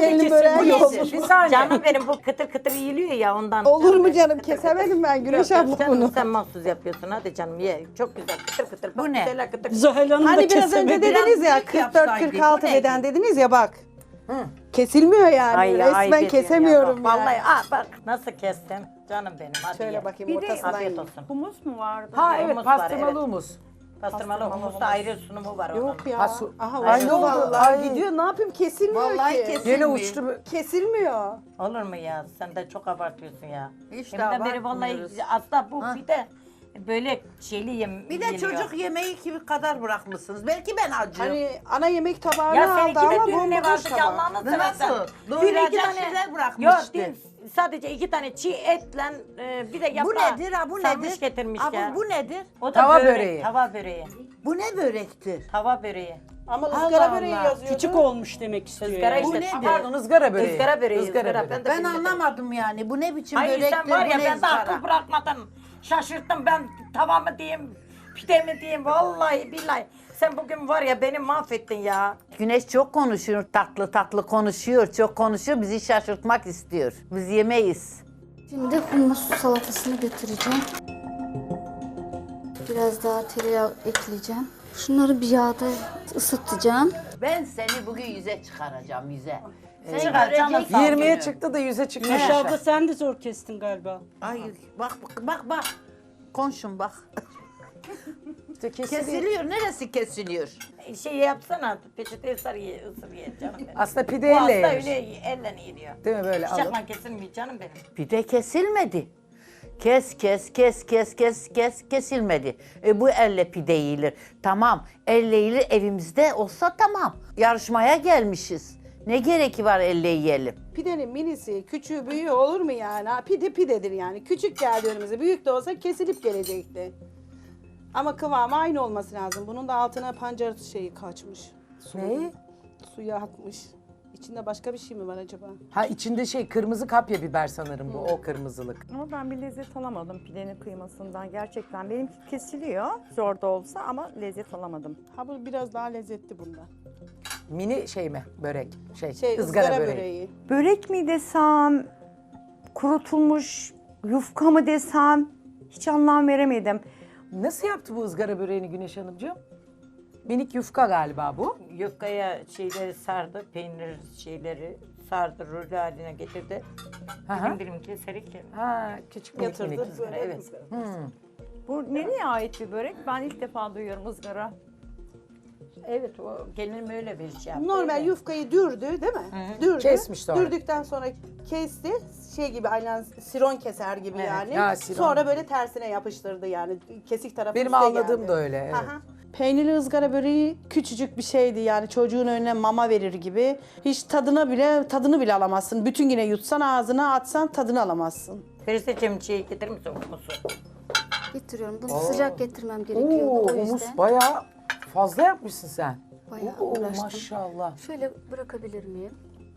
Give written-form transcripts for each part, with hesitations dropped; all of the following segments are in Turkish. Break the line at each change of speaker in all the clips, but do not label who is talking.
gelinin böreği yok.
Bir saniye.
Canım benim bu kıtır kıtır yiyiliyor ya ondan.
Olur mu canım? Kesemedim ben Güneş abla
Canım,
bunu.
sen mahsus yapıyorsun hadi canım ye. Çok güzel kıtır kıtır.
Bu ne?
Güzel, kıtır.
Zuhal Hanım da
Hani biraz önce
kesemedi.
dediniz ya
büyük yapsaydık,
44-46
bu neydi?
beden dediniz ya bak. Kesilmiyor yani. Resmen kesemiyorum
ya.
yani.
Vallahi bak nasıl kestim. Canım benim hadi
Şöyle
ye.
bakayım
Bir de
ortasından
Afiyet
yiyeyim.
olsun.
Humus mu vardı?
Ha evet
Humus var,
pastırmalı
evet.
humus.
Pastırmalı humusta ayrı sunumu var onun.
Yok ya.
Ha, su-
Aha
Ay,
uçtu
ne oldu?
vallahi.
Ay.
Gidiyor ne yapayım kesilmiyor
Vallahi
ki.
kesilmiyor.
Gene uçtu.
Kesilmiyor.
Olur mu ya? Sen de çok abartıyorsun ya.
Hiç de
Deminden beri vallahi
abartmıyoruz.
aslında bu bir de böyle şeyli
Bir de
yeniyor.
çocuk yemeği gibi kadar bırakmışsınız. Belki ben acıyorum.
Hani ana yemek tabağını
Ya
aldı
seninki
ama
de dün ne
bomboş
vardı ki
tabak.
Allah'ını seversen.
Nasıl?
Dün
Doyuracak
iki tane
şeyler bırakmıştı.
Yok dün sadece 2 tane çiğ etle bir de
Bu
yaprağı
nedir ha? Bu
sarmış
nedir?
getirmiş
Abi,
ya.
bu nedir?
O da
Tava
börek,
böreği.
Tava böreği.
Bu ne börektir?
Tava böreği.
Ama
Allah
ızgara böreği
Allah.
yazıyordu.
Küçük olmuş demek istiyor.
Izgara
yani.
Bu
işte.
nedir?
Pardon ızgara böreği.
Izgara böreği.
Izgara
ızgara.
böreği.
Ben de
Ben
bilmedim.
anlamadım yani. Bu ne biçim
Hayır
börektir?
sen var ya
bu ne
ben de
ızgara?
akıl bırakmadın. Şaşırttım ben tava mı diyeyim, pide mi diyeyim vallahi billahi. Sen bugün var ya beni mahvettin ya.
Güneş çok konuşuyor, tatlı tatlı konuşuyor, çok konuşuyor. Bizi şaşırtmak istiyor. Biz yemeyiz.
Şimdi hummus salatasını götüreceğim. Biraz daha tereyağı ekleyeceğim. Şunları bir yağda ısıtacağım.
Ben seni bugün yüze çıkaracağım, yüze. Sen
Çıkar canım,
göreceksin.
20'ye
günü.
çıktı da 100'e çıktı.
Güneş abla sen de zor kestin galiba.
Ay bak bak bak. Konuşun bak.
İşte
Kesiliyor. Neresi kesiliyor?
Şey yapsana peçete ısır ye canım benim.
Aslında pide
Bu
elle
hasta
yenir.
öyle elle yeniyor.
Değil mi böyle alıp?
Bıçakla kesilmiyor canım benim.
Bir de kesilmedi. Kes kesilmedi. Bu elle pide yiyilir. Tamam. Elle yiyilir evimizde olsa tamam. Yarışmaya gelmişiz. Ne gereki var elle yiyelim?
Pidenin minisi, küçüğü, büyüğü olur mu yani? Ha, pide pidedir yani. Küçük geldi önümüze. Büyük de olsa kesilip gelecekti. Ama kıvamı aynı olması lazım. Bunun da altına pancar şeyi kaçmış.
Ne?
Suya atmış. İçinde başka bir şey mi var acaba?
Ha içinde şey kırmızı kapya biber sanırım bu o kırmızılık.
Ama ben bir lezzet alamadım pidenin kıymasından. Gerçekten benimki kesiliyor zor da olsa ama lezzet alamadım.
Ha bu biraz daha lezzetli bundan.
Mini şey mi börek?
Şey ızgara böreği.
Börek mi desem, kurutulmuş yufka mı desem hiç anlam veremedim.
Nasıl yaptı bu ızgara böreğini Güneş Hanımcığım? Minik yufka galiba bu.
Yufkaya şeyleri sardı, peynir şeyleri sardı, rulo haline getirdi.
Hı hı.
Dilim keserek
Ha küçük minik
Yatırdı.
minik.
Böyle
evet.
Bu nereye ait bir börek? Ben ilk defa duyuyorum ızgara.
Evet o gelinim öyle bir şey yaptı.
Normal
öyle.
yufkayı dürdü değil mi? Dürdü.
Kesmiş sonra.
Dürdükten sonra kesti. Şey gibi aynen siron keser gibi
Evet.
yani.
Ha, siron.
Sonra böyle tersine yapıştırdı yani. Kesik tarafı
Benim
üste
anladığım
geldi.
da öyle, evet.
Aha. Peynirli ızgara böreği küçücük bir şeydi yani çocuğun önüne mama verir gibi. Hiç tadını bile alamazsın. Bütün güne yutsan ağzına atsan tadını alamazsın.
Feriseciğim şey getirir misin humusu?
Getiriyorum. Bunu sıcak getirmem gerekiyordu
Oo,
o yüzden.
humus bayağı fazla yapmışsın sen.
Bayağı
Oo,
uğraştım.
maşallah.
Şöyle bırakabilir miyim?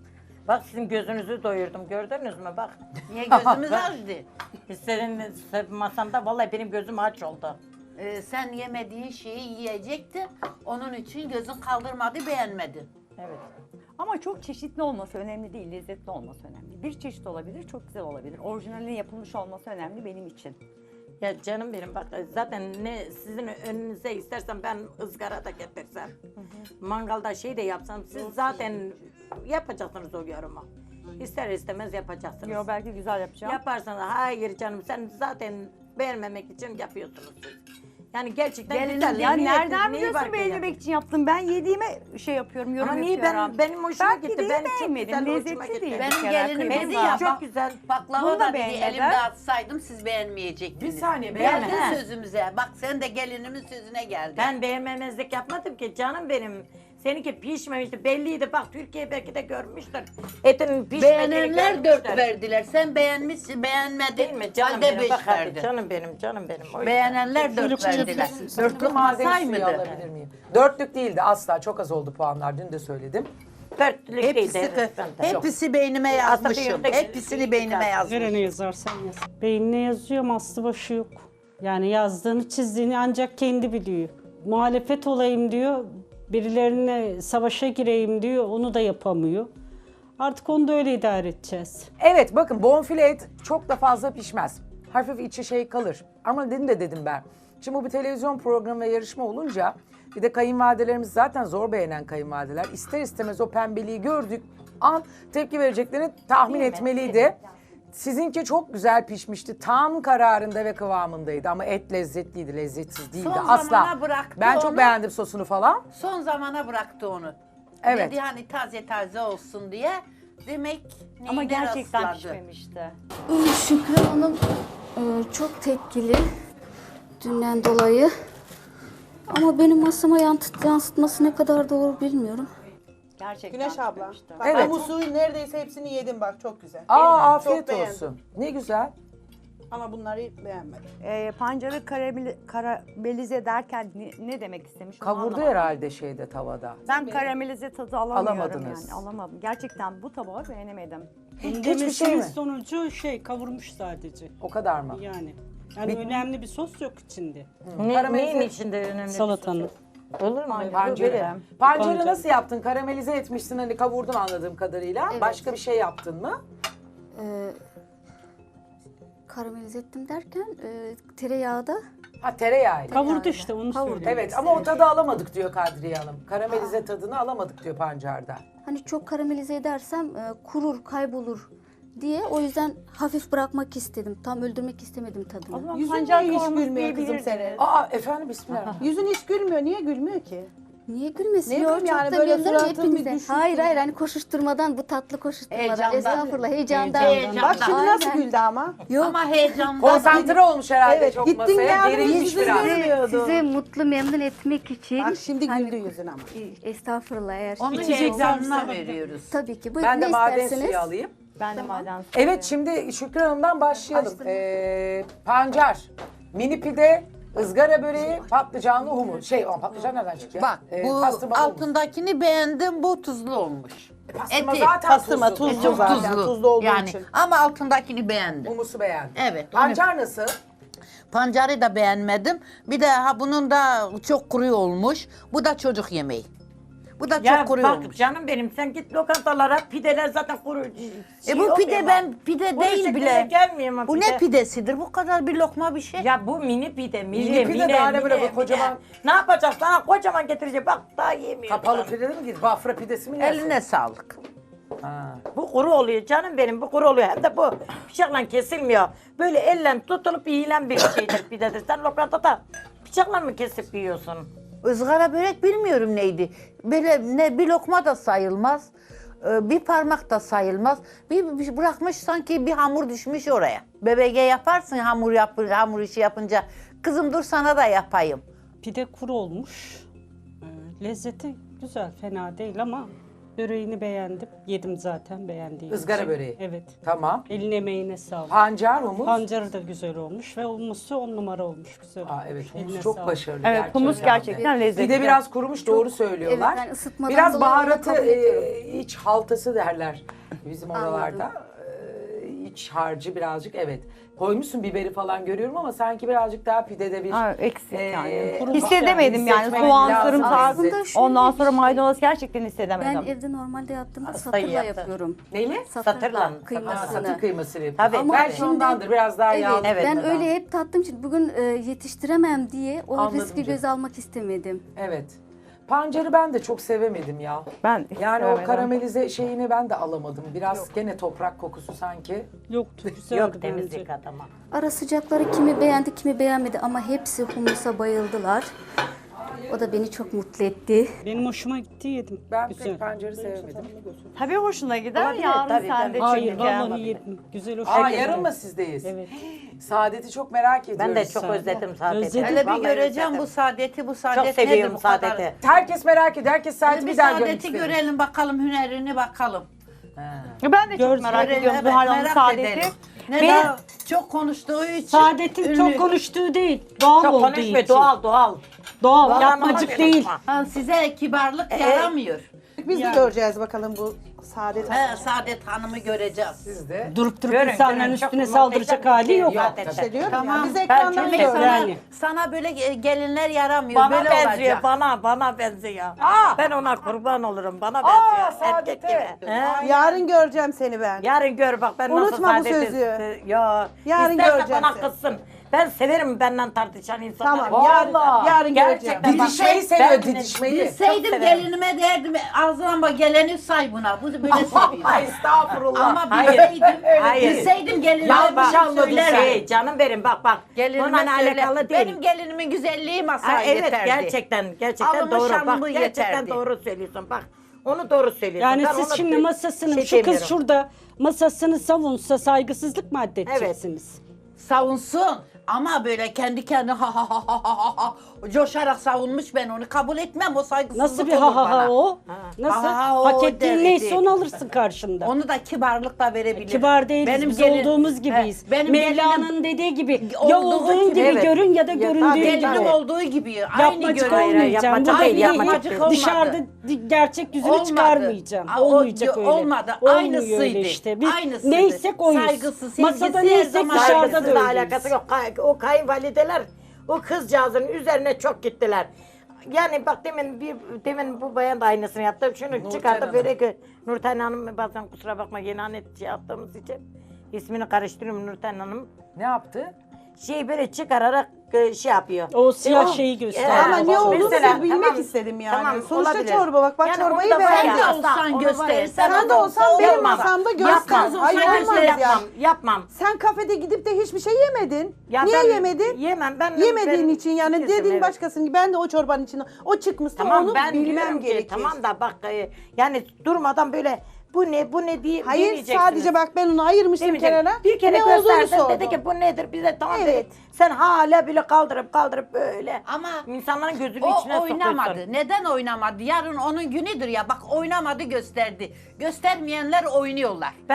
Bak sizin gözünüzü doyurdum gördünüz mü bak.
Niye gözümüz açtı?
Senin masanda vallahi benim gözüm aç oldu.
Sen yemediğin şeyi yiyecektin. Onun için gözün kaldırmadı, beğenmedin.
Evet.
Ama çok çeşitli olması önemli değil, lezzetli olması önemli. Bir çeşit olabilir, çok güzel olabilir. Orijinalinin yapılmış olması önemli benim için.
Ya canım benim bak zaten ne sizin önünüze istersen ben ızgara da getirsem. Mangalda şey de yapsam siz zaten yapacaksınız o yorumu. İster istemez yapacaksınız.
Yo belki güzel yapacağım.
Yaparsanız hayır canım sen zaten beğenmemek için yapıyorsunuz siz. Yani gerçekten
Gelinim,
güzel.
ya
Niye-
nereden
neyi
biliyorsun
var ki
beğenmemek için yaptım? Ben yediğime şey yapıyorum, yorum
Ama niye
yapıyorum.
benim hoşuma
Ben
gitti.
pideyi
Ben çok
beğenmedim,
güzel hoşuma
lezzetli
gitti.
değil.
Benim
Bir kere
gelinimizi
kıyma.
yap.
Çok güzel.
Baklava
Bunu da
da dedi
beğenmeden.
elimde atsaydım siz beğenmeyecektiniz.
Bir saniye,
Geldin
beğenme.
sözümüze. Bak sen de gelinimin sözüne geldin.
Ben beğenmemezlik yapmadım ki canım benim. Seninki pişmemişti belliydi bak Türkiye belki de görmüştür. Etinin pişmediğini
Beğenenler 4
görmüşler.
verdiler. Sen beğenmişsin, beğenmedin.
Değil mi canım
Halde
benim?
5
Bak hadi
verdin.
canım benim canım benim. O yüzden.
Beğenenler 4 verdiler. Dörtlü
Maden
masay
suyu
mıydı?
alabilir miyim? Dörtlük değildi asla. Çok az oldu puanlar. Dün de söyledim.
Dörtlülük
Hepsi,
değildi.
hepsi beynime yazmışım. Hepsini beynime yazmışım.
Nereye yazarsan yaz. Beynine yazıyorum, aslı başı yok. Yani yazdığını, çizdiğini ancak kendi biliyor. Muhalefet olayım diyor, birilerine savaşa gireyim diyor, onu da yapamıyor. Artık onu da öyle idare edeceğiz.
Evet bakın bonfile et çok da fazla pişmez. Hafif içi şey kalır. Ama dedim ben. Şimdi bu bir televizyon programı ve yarışma olunca bir de kayınvalidelerimiz zaten zor beğenen kayınvalideler. İster istemez o pembeliği gördük an tepki vereceklerini tahmin etmeliydi. Sizinki çok güzel pişmişti. Tam kararında ve kıvamındaydı ama et lezzetliydi, lezzetsiz değildi
Son
asla.
zamana bıraktı
Ben çok
onu.
beğendim sosunu falan.
Son zamana bıraktı onu.
Evet.
Dedi hani taze olsun diye. Demek
Ama
neyine
gerçekten
rastladı?
pişmemişti.
Şükran Hanım çok tepkili dünden dolayı. Ama benim masama yansıtması ne kadar doğru bilmiyorum.
Gerçekten
Güneş abla.
pişmemişti.
Bak
Evet.
humusu neredeyse hepsini yedim bak çok güzel.
Aa
Çok
afiyet
beğendim.
olsun. Ne güzel.
Ama bunları beğenmedim.
Pancarı karamelize derken ne demek istemiş? onu
Kavurdu
anlamadım.
herhalde şeyde tavada.
Ben karamelize tadı alamıyorum
Alamadınız.
yani. Alamadım. Gerçekten bu tabağı beğenemedim.
Hiçbir şey mi?
Sonucu kavurmuş sadece.
O kadar mı?
Yani önemli bir sos yok içinde.
Neyin içinde önemli?
Salatanın.
Olur mu?
Pancarı. Pancarı nasıl yaptın? Karamelize etmişsin hani kavurdun anladığım kadarıyla.
Evet.
Başka bir şey yaptın mı?
Karamelize ettim derken tereyağda
Ha tereyağıyla.
Kavurdu işte onu
Kavurdu.
söylüyorum.
Evet ama o tadı alamadık diyor Kadriye Hanım. Karamelize tadını alamadık diyor pancarda.
hani çok karamelize edersem kurur, kaybolur diye o yüzden hafif bırakmak istedim. Tam öldürmek istemedim
O
tadını.
zaman
Yüzün
pancar
niye hiç
kavurması
gülmüyor kızım
diyebilirdiniz.
senin?
Aa efendim bismillah.
Yüzün hiç gülmüyor. Niye gülmüyor ki?
Niye gülmesin?
Ne
Yok,
bileyim
çok
yani
da
böyle
memnunum
suratın bir
hepinizden.
düşük
Hayır
gibi.
hayır hani koşuşturmadan bu tatlı koşuşturmadan.
Heyecandan.
Estağfurullah heyecandan.
Heyecandan.
Bak şimdi nasıl
Aynen.
güldü ama.
Yok.
Ama heyecandan.
Konsantre olmuş herhalde
Evet,
çok
gittin
masaya.
geldin,
Gerilmiş
yüzünü
biraz.
görmüyordu.
Sizi mutlu memnun etmek için.
Bak şimdi
hani-
güldü yüzün ama.
Estağfurullah eğer.
Onun
İçecek
heyecanına
varsa-
veriyoruz.
Tabii ki. Buyurun
Ben de
ne
maden
isterseniz.
suyu alayım.
Ben de maden
Evet şimdi Şükran Hanım'dan başlayalım.
Açtım.
Pancar, mini pide, ızgara böreği, patlıcanlı humus. Patlıcan nereden çıktı ya?
Bak bu
Pastırma humus.
altındakini beğendim, bu tuzlu olmuş.
Pastırma
eti,
zaten
pastırma
tuzlu.
tuzlu
Çok
zaten, tuzlu olduğu
yani.
için.
Ama altındakini beğendim.
Humusu beğendim.
Evet. onu-
Pancar nasıl?
Pancarı da beğenmedim. Bir de bunun da çok kuru olmuş. Bu da çocuk yemeği. Bu da
Ya
çok kuru
bak
olmuş.
canım benim sen git lokantalara pideler zaten kuru.
Bu pide pide
Kuru
değil
şeklinde
bile.
gelmiyor mu
Bu
pide?
ne pidesidir? Bu kadar bir lokma bir şey.
Ya bu mini pide,
Mini pide daha ne böyle bu kocaman-
Ne yapacak sana kocaman getirecek bak daha yemiyor.
Kapalı pide mi gidiyor? Bafra pidesi mi yersin?
Eline sağlık.
Ha.
Bu kuru oluyor canım benim bu kuru oluyor hem de bu bıçakla kesilmiyor. Böyle elle tutulup yiyilen bir şeydir pidedir. Sen lokantada bıçakla mı kesip yiyorsun?
Izgara börek bilmiyorum neydi. Böyle ne bir lokma da sayılmaz. Bir parmak da sayılmaz. Bir bırakmış sanki bir hamur düşmüş oraya. BBG yaparsın hamur işi yapınca. Kızım dur sana da yapayım.
Pide kuru olmuş. Lezzeti güzel, fena değil ama böreğini beğendim. Yedim zaten beğendiğim
Izgara
için.
böreği.
Evet.
Tamam.
Eline emeğine sağlık.
Pancar, humus.
Pancarı da güzel olmuş ve humusu 10 numara olmuş. Güzel.
Aa, evet humus
Eline
çok
sağlık.
başarılı.
Evet, humus gerçekten lezzetli.
Bir de biraz kurumuş doğru söylüyorlar.
Evet, ben ısıtmadan
biraz
dolayı onu
baharatı
kabul ediyorum.
iç haltası derler bizim oralarda. İç harcı birazcık evet. Koymuşsun biberi falan görüyorum ama sanki birazcık daha pidede bir
Eksik yani.
kuru
Hissedemedim yani.
hissetmek
Soğan,
lazım.
sarımsak,
Aslında şöyle
ondan
bir
sonra
şey.
maydanoz gerçekten
Ben
hissedemedim.
evde normalde yaptığımda
Hastayı
satırla
yaptı.
yapıyorum.
Neyle?
Satırla.
Kıymasını.
Satır kıymasını yapıyorsun.
Tabii,
Ama
Belki
şimdi-
ondandır biraz daha
Evet,
yağlı.
Evet,
ben
neden?
öyle hep tattığım için bugün yetiştiremem diye o
Anladım
riski
canım.
göze almak istemedim.
Evet. Pancarı ben de çok sevemedim ya.
Ben hiç
Yani o
sevemedim.
karamelize şeyini ben de alamadım. Biraz gene toprak kokusu sanki.
Yoktu, güzeldi
Yok
bence.
temizlik adama.
Ara sıcakları kimi beğendi kimi beğenmedi ama hepsi humusa bayıldılar. O da beni çok mutlu etti.
Benim hoşuma gitti yedim.
Ben
güzel.
pek pancarı sevemedim.
Tabii hoşuna gider.
Olabilir,
Yarın
tabii,
sen de
tabii.
Hayır
çünkü.
vallahi yedim. Güzel hoşuma
Aa
gitti.
yarın mı sizdeyiz?
Evet.
Saadet'i çok merak ediyoruz.
Ben de çok özledim saadeti.
Özledim.
Hele bir
Vallahi
göreceğim
özledim.
bu saadeti, bu saadet
Çok
nedir
seviyorum
bu kadar?
saadeti.
Herkes merak ediyor. Herkes Saadet'i
Hele bir
bir daha görmek
saadeti
istiyor.
görelim bakalım, hünerini bakalım.
Ben de çok
Göz
merak
görelim,
ediyorum
Evet,
Zuhal Hanım
merak
saadeti.
edelim.
Benim-
Neden? Çok konuştuğu için.
Saadet'in
ünlü.
çok konuştuğu değil, doğal
Çok
olduğu
konuşma
için.
doğal.
Doğal,
Vallahi
yapmacık
konuşma.
değil.
Ha, size kibarlık yaramıyor.
Biz de göreceğiz bakalım bu Saadet Hanım.
He, Saadet Hanım'ı göreceğiz.
Siz de.
Durup
Görün,
insanların
görün, çok
üstüne
muhteşem
saldıracak
bir
hali
şey
yok.
zaten.
İşte diyorum
Tamam.
ya biz ekrandan
çok
Demek
görüyoruz.
sana,
Yani.
sana böyle gelinler yaramıyor.
Bana
böyle
benziyor,
olacak.
bana benziyor. Ben ona kurban olurum, bana
Aa,
benziyor. Erkek
Saadet'e.
gibi. He?
Yarın göreceğim seni ben.
Yarın gör bak ben nasıl
Unutma bu
saadeti-
sözü.
Ya.
Yarın
İsterse
göreceğim
bana
seni.
kızsın. Ben severim benden tartışan insanları.
Tamam, yarın göreceğim.
Gerçekten bak,
Didişmeyi
ben-
seviyor,
ben-
didişmeyi.
Bilseydim
severim.
gelinime derdim ağzına bak geleni say buna. Bu böyle seviyor.
Ay estağfurullah.
Ama
Hayır.
bilseydim,
Hayır.
bilseydim gelinime
Yanlış
bunu
anladın
söylerdim.
Hey, canım benim bak.
Gelinime
Bununla
söyle.
alakalı değil.
Benim gelinimin güzelliği masaya
Ha, evet
yeterdi.
gerçekten
Alımı
doğru.
şanımı
Bak gerçekten
yeterdi.
doğru söylüyorsun bak. Onu doğru söylüyorsun.
Yani
Ben
siz
ona
şimdi masasını,
şey
şu kız
demiyorum.
şurada masasını savunsa saygısızlık mı addedeceksiniz?
Savunsun. Ama böyle kendi kendine ha ha ha ha ha ha coşarak savunmuş, ben onu kabul etmem. O saygısızlık
Nasıl bir
olur
ha ha ha
bana.
o? Nasıl?
Ha ha o
Hak ettiğin
derdi.
neyse onu alırsın karşında.
Onu da kibarlıkla verebilir.
Kibar değiliz, biz olduğumuz gibiyiz.
He, benim
Mevlana'nın dediği gibi ya
olduğu
olduğun
gibi,
gibi
evet.
görün ya da
Ya
göründüğün
tabii,
gibi.
gelinim olduğu gibi. Aynı
Yapmacık
görüyor.
olmayacağım.
yapmacık
Bu
değil,
belli
yapmacık
değil.
olmadı.
Dışarıda gerçek yüzünü
Olmadı.
çıkarmayacağım.
Aa,
Olmayacak öyle.
olmadı.
Olmuyor
Aynısıydı.
öyle işte. Biz
Aynısıydı.
neysek oyuz.
Saygısı, sevgisi
Masada
her
neysek
zaman
dışarıda da
Saygısızla
öyleyiz.
alakası yok. O kayınvalideler o kızcağızın üzerine çok gittiler. Yani bak demin bu bayan da aynısını yaptı. Şunu çıkardı
Hanım.
böyle ki Nurten Hanım, bazen kusura bakma yeni anet şey yaptığımız için ismini karıştırıyorum, Nurten Hanım.
Ne yaptı?
Şey böyle çıkararak şey yapıyor.
O siyah şeyi gösterdi.
Ama ne olduğunu
Mesela,
bilmek
tamam,
istedim yani.
tamam,
Sonuçta
olabilir.
çorba bak
Yani
çorbayı
onu da var
beğendim.
ya,
Sen de olsan
onu
göster.
var ya,
Sen de olsan benim
Yapmam.
masamda göster.
Yapmam.
Hayır
Hayır,
olmaz ya.
yapmam.
Sen kafede gidip de hiçbir şey yemedin.
Ya
Niye
ben
yemedin?
Yemem ben.
Yemediğin
ben-
için yani
Kesin,
dediğin
evet.
başkasının, ben de o çorbanın içinde o çıkmışsa
Tamam
onu
ben
bilmem
diyorum ki,
gerekir.
tamam da bak yani durmadan böyle bu ne diye
Hayır
demeyeceksiniz.
sadece bak ben onu ayırmıştım
Demeyecek.
kenara.
Bir kere
ne olduğunu
gösterdim
sordum.
dedi ki bu nedir bize tamam
Evet.
dedik. Sen hala bile kaldırıp böyle.
Ama
insanların gözünün
o
içine
oynamadı.
sokuyorsun.
Neden oynamadı? Yarın onun günüdür ya. Bak oynamadı, gösterdi. Göstermeyenler oynuyorlar.